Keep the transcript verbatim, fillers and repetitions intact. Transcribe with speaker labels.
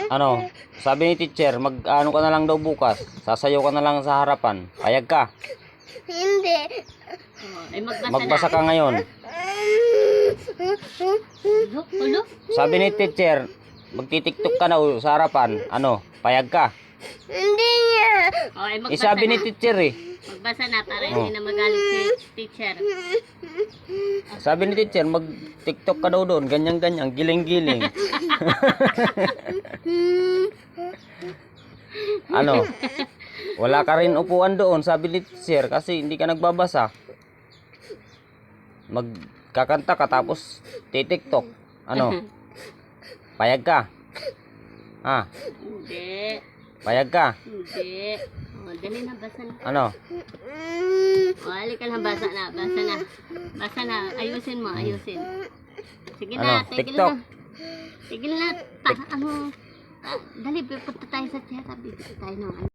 Speaker 1: Ano, sabi ni teacher, mag ano ka na lang daw bukas. Sasayaw ka na lang sa harapan. Payag ka.
Speaker 2: Hindi.
Speaker 3: Oh, ay magbasa,
Speaker 1: Magbasa
Speaker 3: na.
Speaker 1: ka ngayon.
Speaker 3: Ulo, ulo.
Speaker 1: Sabi ni teacher, magtitiktok ka na o, sa harapan. Ano, payag ka.
Speaker 2: Hindi niya.
Speaker 3: Oh, ay
Speaker 1: Eh,
Speaker 3: magbasa
Speaker 1: sabi ni
Speaker 3: na.
Speaker 1: teacher eh.
Speaker 3: Magbasa na para
Speaker 1: Oh.
Speaker 3: hindi na magalit si teacher.
Speaker 1: Sabi ni teacher, mag-tiktok ka daw doon. Ganyan-ganyan, giling-giling. Ano? Wala ka rin upuan doon, sabi ni teacher, kasi hindi ka nagbabasa. Magkakanta ka tapos titiktok. Ano? Payag ka? Ha?
Speaker 3: Hindi.
Speaker 1: Payag ka?
Speaker 3: Hindi. Oh, dali na, basa na.
Speaker 1: Ano?
Speaker 3: Oh, halika na, basa na, basa na. Basa na, ayusin mo, ayusin. Sige
Speaker 1: Ano?
Speaker 3: na, tigil
Speaker 1: TikTok?
Speaker 3: na. Tigil na, ta, ano, ah, dali, punta tayo sa tiyata, bibili tayo ng ano.